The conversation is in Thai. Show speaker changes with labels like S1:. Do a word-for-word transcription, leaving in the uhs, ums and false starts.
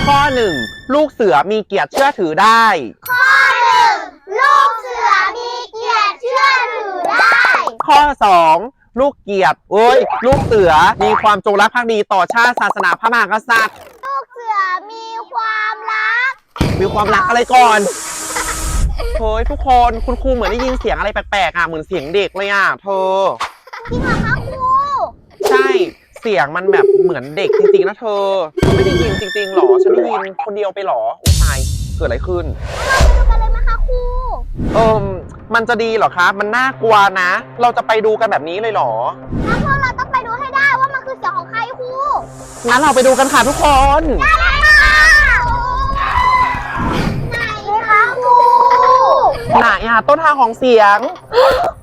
S1: ข้อหนึ่งลูกเสือมีเกียรติเชื่อถือได้
S2: ข้อหนึ่งลูกเสือมีเกียรติเชื่อถือได้
S1: ข้อสองลูกเกียรติเอ้ยลูกเสือมีความจงรักภักดีต่อชาติศาสนาพระมหากษัตริย์
S2: ลูกเสือมีความรัก
S1: มีความรักอะไรก่อนเฮ้ยทุกคนคุณครูเหมือนได้ยินเสียงอะไรแปลกๆอ่ะเหมือนเสียงเด็กเลยอ่ะเธอ
S2: จริงเหรอคะครู
S1: ใช่เสียงมันแบบเหมือนเด็กจริงๆนะเธอไม่ได้ยินจริงๆหรอฉันได้ยินคนเดียวไปหรออุ้ยตายเกิดอะไรขึ้น
S2: เราไปดูกันเลยไหมคะครู
S1: เออมันจะดีเหรอคะมันน่ากลัวนะเราจะไปดูกันแบบนี้เลยเหรอ
S2: แล้วพวกเราต้องไปดูให้ได้ว่ามันคือเสียงของใครครู
S1: งั้นเราไปดูกันค่ะทุกคน
S2: ได้เลยค่ะไหนคะครู
S1: ไหนอ่ะต้นทางของเสียง